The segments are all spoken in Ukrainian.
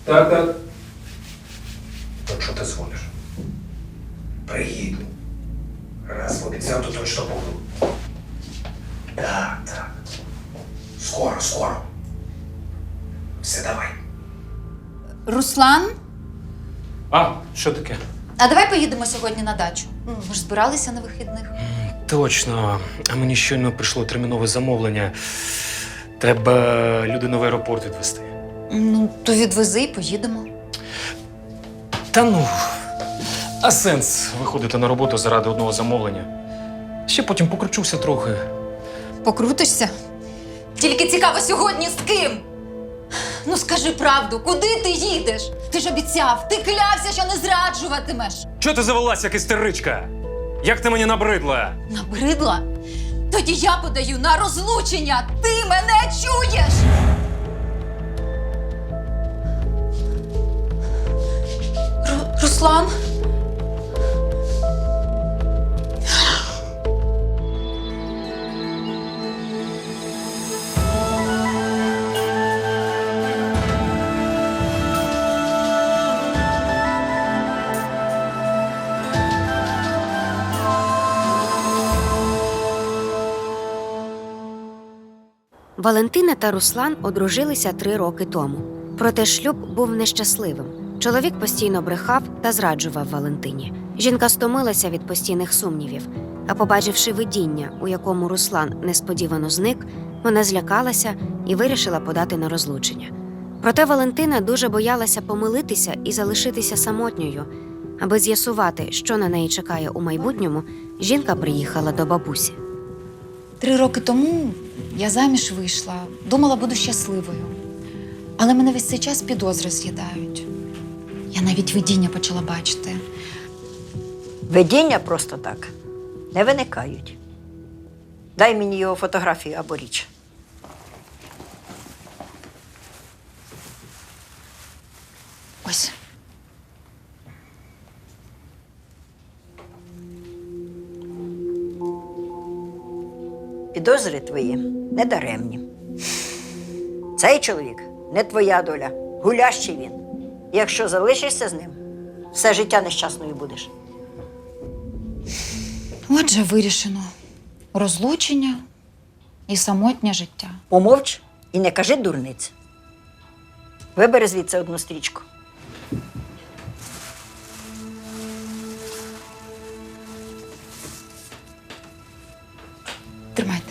Так, так. От що ти дзвониш? Приїду. Раз обіцяв, то точно буду. Так, так. Скоро, скоро. Все, давай. Руслан, А, що таке? а давай поїдемо сьогодні на дачу. Ми ж збиралися на вихідних. Точно. А мені щойно прийшло термінове замовлення. Треба людину в аеропорт відвезти. Ну, то відвези і поїдемо. Та ну, а сенс виходити на роботу заради одного замовлення? Ще потім покручуся трохи. Покрутишся? Тільки цікаво сьогодні з ким? Ну скажи правду, куди ти їдеш? Ти ж обіцяв, ти клявся, що не зраджуватимеш. Чого ти завелась, як істеричка? Як ти мені набридла? Набридла? Тоді я подаю на розлучення. Ти мене чуєш? Руслан? Валентина та Руслан одружилися 3 роки тому. Проте шлюб був нещасливим. Чоловік постійно брехав та зраджував Валентині. Жінка стомилася від постійних сумнівів, а побачивши видіння, у якому Руслан несподівано зник, вона злякалася і вирішила подати на розлучення. Проте Валентина дуже боялася помилитися і залишитися самотньою. Аби з'ясувати, що на неї чекає у майбутньому, жінка приїхала до бабусі. 3 роки тому я заміж вийшла, думала, буду щасливою. Але мене весь цей час підозри з'їдають. Я навіть видіння почала бачити. Видіння просто так не виникають. Дай мені його фотографію або річ. Ось. Підозри твої недаремні. Цей чоловік не твоя доля, гулящий він. І якщо залишишся з ним, все життя нещасною будеш. Отже, вирішено. Розлучення і самотнє життя. Помовч і не кажи дурниць. Вибери звідси одну стрічку. Тримайте.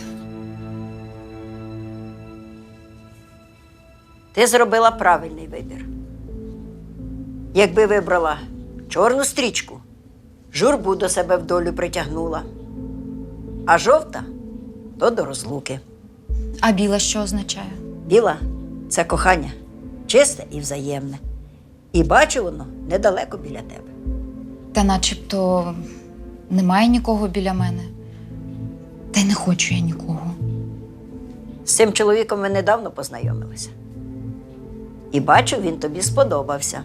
Ти зробила правильний вибір. Якби вибрала чорну стрічку, журбу до себе в долю притягнула. А жовта – то до розлуки. А біла що означає? Біла – це кохання, чисте і взаємне. І бачу воно недалеко біля тебе. Та начебто немає нікого біля мене. Та й не хочу я нікого. З цим чоловіком ми недавно познайомилися. І бачу, він тобі сподобався.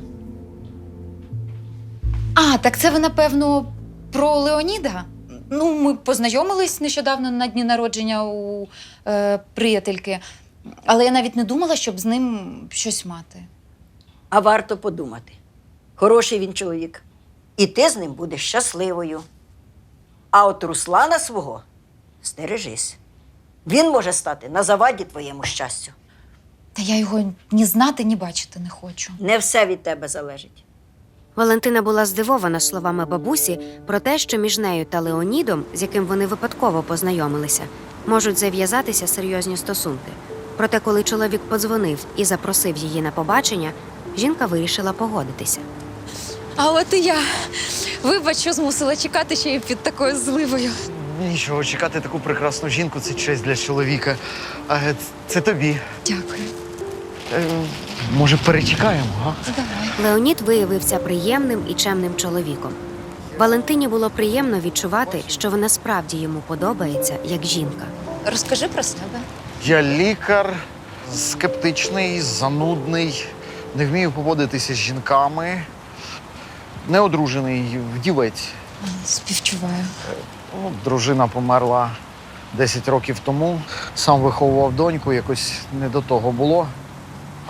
А, так це ви, напевно, про Леоніда? Ну, ми познайомились нещодавно на дні народження у приятельки. Але я навіть не думала, щоб з ним щось мати. А варто подумати. Хороший він чоловік. І ти з ним будеш щасливою. А от Руслана свого стережись. Він може стати на заваді твоєму щастю. Та я його ні знати, ні бачити не хочу. Не все від тебе залежить. Валентина була здивована словами бабусі про те, що між нею та Леонідом, з яким вони випадково познайомилися, можуть зав'язатися серйозні стосунки. Проте, коли чоловік подзвонив і запросив її на побачення, жінка вирішила погодитися. А от і я. Вибач, що змусила чекати ще й під такою зливою. Нічого, чекати таку прекрасну жінку – це честь для чоловіка. А це тобі. Дякую. Може, перечекаємо, га? Леонід виявився приємним і чемним чоловіком. Валентині було приємно відчувати, що вона справді йому подобається, як жінка. Розкажи про себе. Я лікар, скептичний, занудний, не вмію поводитися з жінками, неодружений, вдівець. Співчуваю. Дружина померла 10 років тому. Сам виховував доньку, якось не до того було.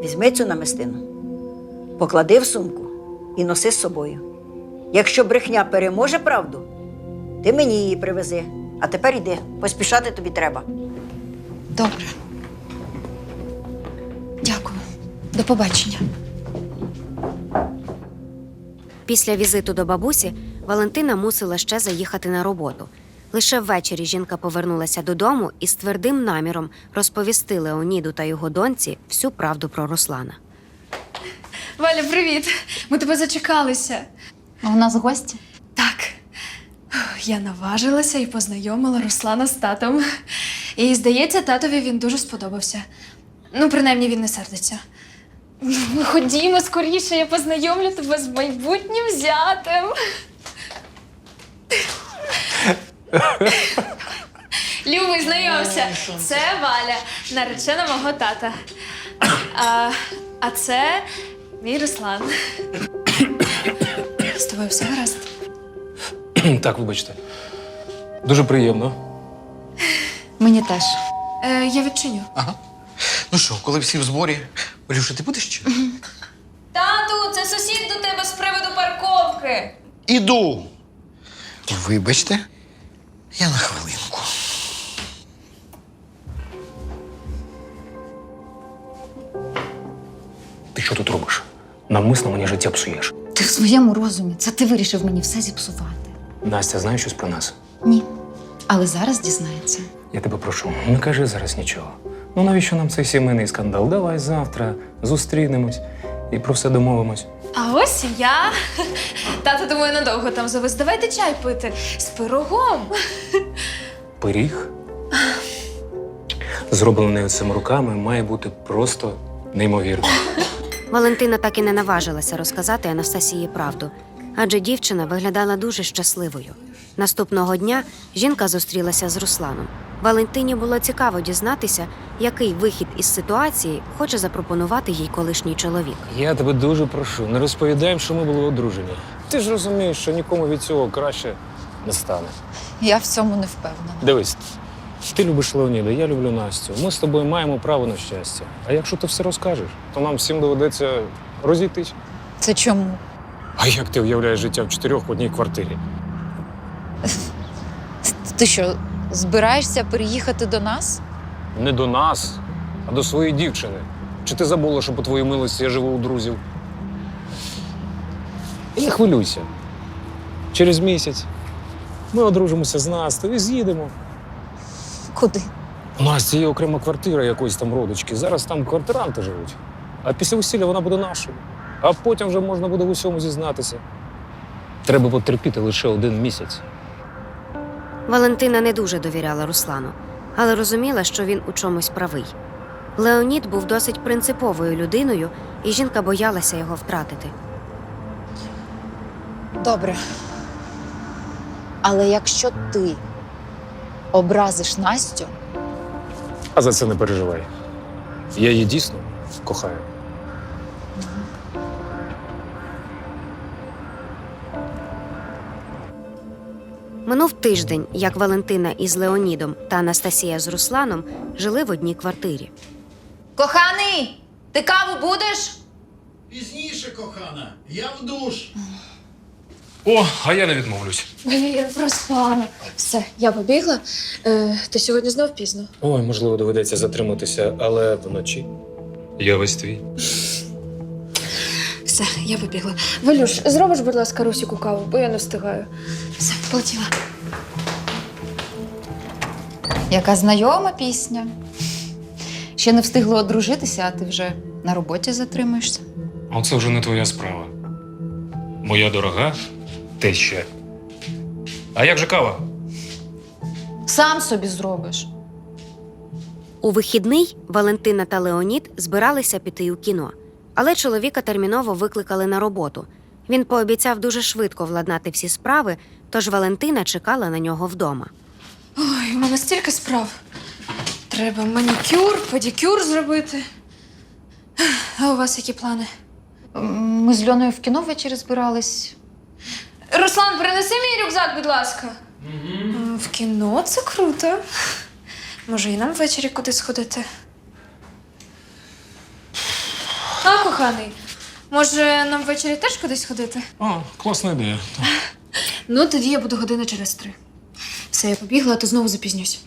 Візьми цю намистину, поклади в сумку і носи з собою. Якщо брехня переможе правду, ти мені її привези. А тепер йди, поспішати тобі треба. Добре. Дякую. До побачення. Після візиту до бабусі Валентина мусила ще заїхати на роботу. Лише ввечері жінка повернулася додому і з твердим наміром розповісти Леоніду та його доньці всю правду про Руслана. Валя, привіт! Ми тебе зачекалися. А у нас гості? Так. Я наважилася і познайомила Руслана з татом. І, здається, татові він дуже сподобався. Ну, принаймні, він не сердиться. Ну, ходімо скоріше, я познайомлю тебе з майбутнім зятем. Любий, знайомся. Це Валя, наречена мого тата. А це мій Руслан. З тобою все гаразд? Так, вибачте. Дуже приємно. Мені теж. Я відчиню. Ага. Ну що, коли всі в зборі, Валюша, ти будеш чи? Тату, це сусід до тебе з приводу парковки. Іду. Вибачте, я на хвилинку. Ти що тут робиш? Навмисно мені життя псуєш. Ти в своєму розумі. Це ти вирішив мені все зіпсувати. Настя, знаєш щось про нас? Ні. Але зараз дізнається. Я тебе прошу, не кажи зараз нічого. Ну навіщо нам цей сімейний скандал? Давай завтра зустрінемось і про все домовимось. А ось і я. Тато, думаю, надовго там завис. Давайте чай пити з пирогом. Пиріг, зроблений цими руками, має бути просто неймовірно. Валентина так і не наважилася розказати Анастасії правду, адже дівчина виглядала дуже щасливою. Наступного дня жінка зустрілася з Русланом. Валентині було цікаво дізнатися, який вихід із ситуації хоче запропонувати їй колишній чоловік. Я тебе дуже прошу, не розповідай, що ми були одружені. Ти ж розумієш, що нікому від цього краще не стане. Я в цьому не впевнена. Дивись, ти любиш Леоніда, я люблю Настю. Ми з тобою маємо право на щастя. А якщо ти все розкажеш, то нам всім доведеться розійтись. Це чому? А як ти уявляєш життя в 4 в одній квартирі? Ти що, збираєшся переїхати до нас? Не до нас, а до своєї дівчини. Чи ти забула, що по твоїй милості я живу у друзів? І не хвилюйся. Через місяць ми одружимося з Настею і з'їдемо. Куди? У Насті є окрема квартира якоїсь там родички. Зараз там квартиранти живуть. А після весілля вона буде нашою. А потім вже можна буде в усьому зізнатися. Треба потерпіти лише 1 місяць. Валентина не дуже довіряла Руслану, але розуміла, що він у чомусь правий. Леонід був досить принциповою людиною, і жінка боялася його втратити. Добре. Але якщо ти образиш Настю, А за це не переживай. Я її дійсно кохаю. Минув тиждень, як Валентина із Леонідом та Анастасія з Русланом жили в одній квартирі. коханий, ти каву будеш? Пізніше, кохана, я в душ. О, а я не відмовлюсь. Я проспала. Все, я побігла. Ти сьогодні знов пізно. Ой, можливо, доведеться затриматися, але вночі я весь твій. Все, я побігла. Валюш, зробиш, будь ласка, Русіку каву, бо я не встигаю. Все, полетіла. Яка знайома пісня. Ще не встигли одружитися, а ти вже на роботі затримуєшся. А це вже не твоя справа. Моя дорога теща. А як же кава? Сам собі зробиш. У вихідний Валентина та Леонід збиралися піти у кіно. Але чоловіка терміново викликали на роботу. Він пообіцяв дуже швидко владнати всі справи, тож Валентина чекала на нього вдома. Ой, у мене стільки справ. Треба манікюр, педикюр зробити. А у вас які плани? Ми з Льоною в кіно ввечері збирались. Руслан, принеси мій рюкзак, будь ласка. В кіно це круто. Може, і нам ввечері кудись сходити? А, коханий, може нам ввечері теж кудись ходити? О, класна ідея. Ну, тоді я буду години через 3. Все, я побігла, а то знову запізнюсь.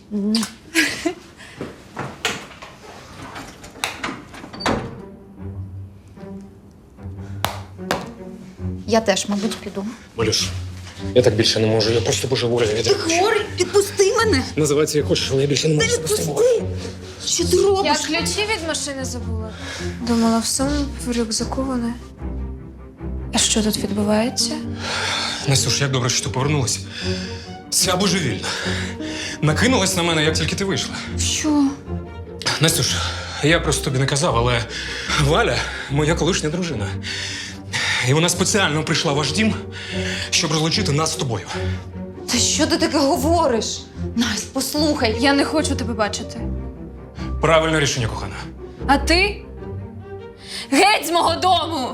Я теж, мабуть, піду. Малюш, я так більше не можу, я просто божеволію від ревнощів. Хворий, відпусти мене! Називається як хочеш, але я більше не можу з тобою. Що ти робиш? Я ключі від машини забула. Думала, в суму в рюкзаку вони. А що тут відбувається? Настюш, як добре, що ти повернулася. Ця божевільна. Накинулась на мене, як тільки ти вийшла. Що? Настюш, я просто тобі не казав, але Валя моя колишня дружина. І вона спеціально прийшла в ваш дім, щоб розлучити нас з тобою. Та що ти таке говориш? Настя, послухай. Я не хочу тебе бачити. Правильне рішення, кохана. А ти? Геть з мого дому!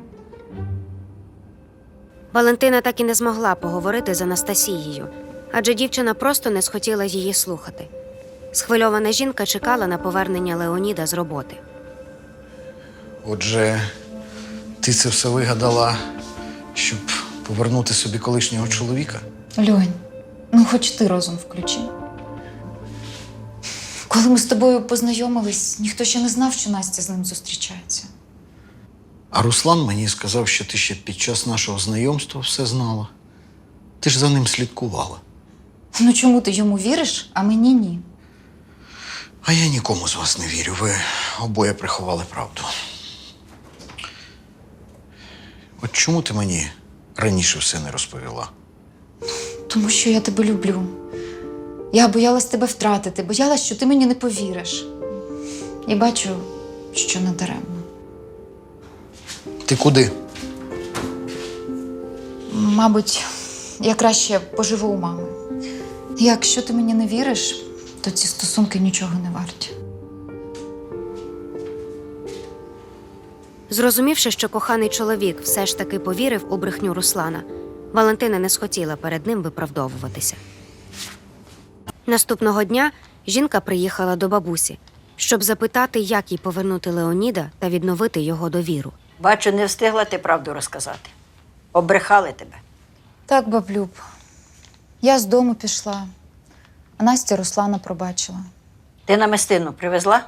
Валентина так і не змогла поговорити з Анастасією, адже дівчина просто не схотіла її слухати. Схвильована жінка чекала на повернення Леоніда з роботи. Отже, ти це все вигадала, щоб повернути собі колишнього чоловіка? Льонь, ну хоч ти розум включи. Коли ми з тобою познайомились, ніхто ще не знав, що Настя з ним зустрічається. А Руслан мені сказав, що ти ще під час нашого знайомства все знала. Ти ж за ним слідкувала. Ну чому ти йому віриш, а мені ні? А я нікому з вас не вірю. Ви обоє приховали правду. От чому ти мені раніше все не розповіла? Тому що я тебе люблю. Я боялась тебе втратити, боялась, що ти мені не повіриш. І бачу, що не даремно. Ти куди? Мабуть, я краще поживу у мами. Якщо ти мені не віриш, то ці стосунки нічого не варті. Зрозумівши, що коханий чоловік все ж таки повірив у брехню Руслана, Валентина не схотіла перед ним виправдовуватися. Наступного дня жінка приїхала до бабусі, щоб запитати, як їй повернути Леоніда та відновити його довіру. Бачу, не встигла ти правду розказати. Обрехали тебе. Так, баблюб, я з дому пішла, а Настя Руслана пробачила. Ти намистину привезла?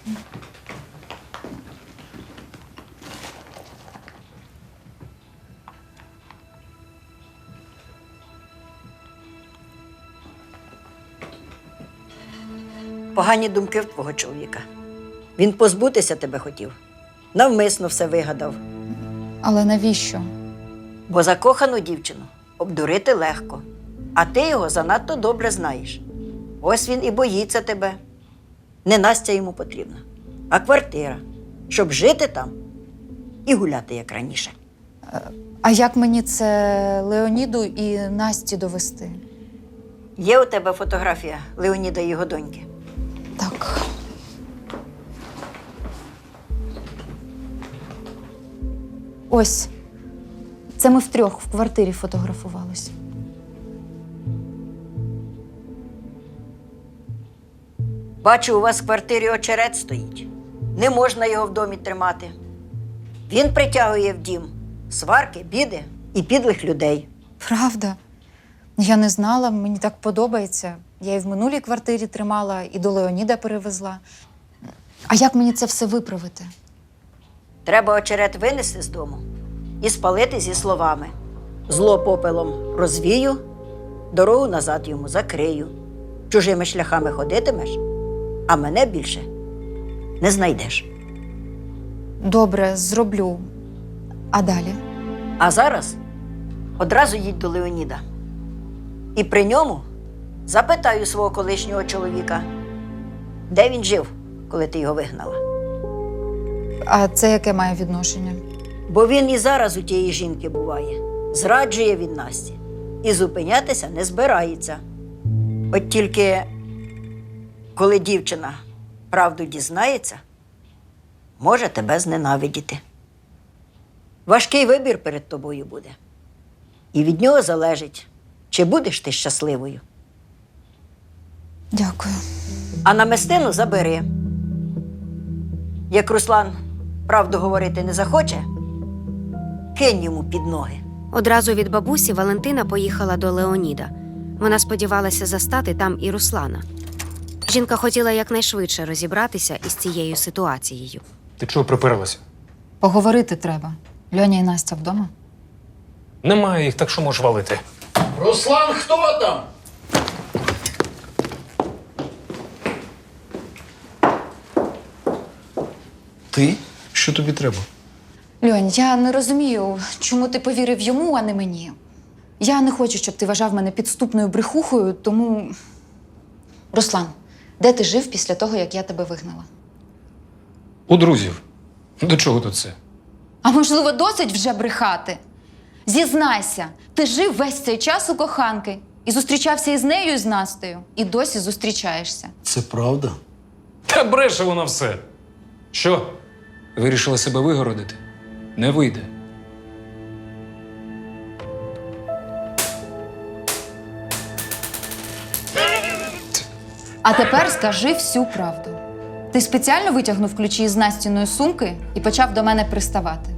Погані думки в твого чоловіка. Він позбутися тебе хотів. Навмисно все вигадав. Але навіщо? Бо закохану дівчину обдурити легко. А ти його занадто добре знаєш. Ось він і боїться тебе. Не Настя йому потрібна, а квартира, щоб жити там і гуляти, як раніше. А як мені це Леоніду і Насті довести? Є у тебе фотографія Леоніда і його доньки? Так. Ось. Це ми втрьох в квартирі фотографувалися. Бачу, у вас в квартирі очерет стоїть. Не можна його в домі тримати. Він притягує в дім сварки, біди і підлих людей. Правда? Я не знала, мені так подобається. Я і в минулій квартирі тримала, і до Леоніда перевезла. А як мені це все виправити? Треба очерет винести з дому і спалити зі словами: зло попелом розвію, дорогу назад йому закрию. Чужими шляхами ходитимеш, а мене більше не знайдеш. Добре, зроблю. А далі? А зараз одразу їдь до Леоніда. І при ньому запитаю свого колишнього чоловіка, де він жив, коли ти його вигнала. А це яке має відношення? Бо він і зараз у тієї жінки буває. Зраджує він Насті і зупинятися не збирається. От тільки, коли дівчина правду дізнається, може тебе зненавидіти. Важкий вибір перед тобою буде. І від нього залежить, чи будеш ти щасливою. Дякую. А намистину забери. Як Руслан правду говорити не захоче, кинь йому під ноги. Одразу від бабусі Валентина поїхала до Леоніда. Вона сподівалася застати там і Руслана. Жінка хотіла якнайшвидше розібратися із цією ситуацією. Ти чого приперлася? Поговорити треба. Льоня і Настя вдома. Немає їх, так що можеш валити. Руслан, хто там? Ти? Що тобі треба? Льонь, я не розумію, чому ти повірив йому, а не мені. Я не хочу, щоб ти вважав мене підступною брехухою, тому. Руслан, де ти жив після того, як я тебе вигнала? У друзів. До чого тут це? А можливо, досить вже брехати? Зізнайся, ти жив весь цей час у коханки і зустрічався із нею, і з Настею, і досі зустрічаєшся. Це правда? Та бреше вона все. Що? Вирішила себе вигородити? Не вийде. А тепер скажи всю правду. Ти спеціально витягнув ключі із Настіної сумки і почав до мене приставати.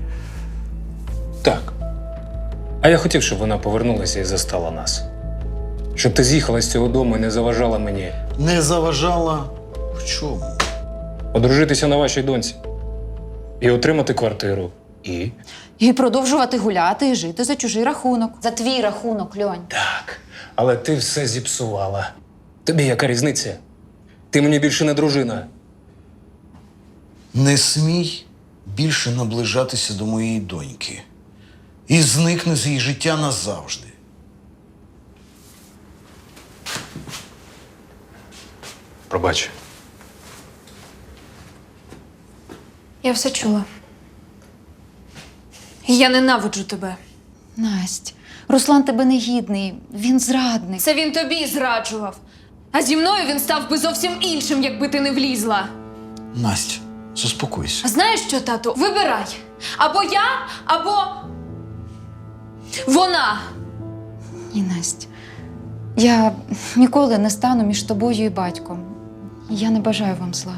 Так. А я хотів, щоб вона повернулася і застала нас. Щоб ти з'їхала з цього дому і не заважала мені Не заважала в чому? одружитися на вашій доньці. І отримати квартиру. І? І продовжувати гуляти і жити за чужий рахунок. За твій рахунок, Льонь. Так. Але ти все зіпсувала. Тобі яка різниця? Ти мені більше не дружина. Не смій більше наближатися до моєї доньки. І зникни з її життя назавжди. Пробач. Я все чула. І я ненавиджу тебе. Насть, Руслан тебе не гідний, він зрадник. Це він тобі зраджував. А зі мною він став би зовсім іншим, якби ти не влізла. Настя, заспокойся. А знаєш що, тату? Вибирай. Або я, або вона. Ні, Насть, я ніколи не стану між тобою і батьком. Я не бажаю вам зла.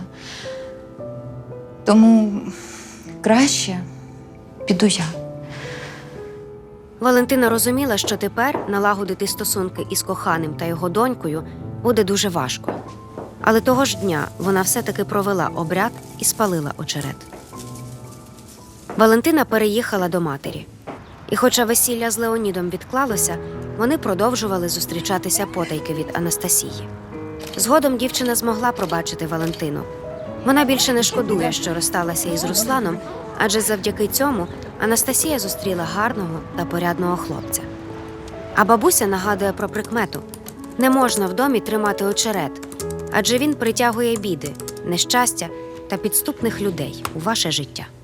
Тому краще піду я. Валентина розуміла, що тепер налагодити стосунки із коханим та його донькою буде дуже важко. Але того ж дня вона все-таки провела обряд і спалила очерет. Валентина переїхала до матері. І хоча весілля з Леонідом відклалося, вони продовжували зустрічатися потайки від Анастасії. Згодом дівчина змогла пробачити Валентину. Вона більше не шкодує, що розсталася із Русланом, адже завдяки цьому Анастасія зустріла гарного та порядного хлопця. А бабуся нагадує про прикмету – не можна в домі тримати очерет, адже він притягує біди, нещастя та підступних людей у ваше життя.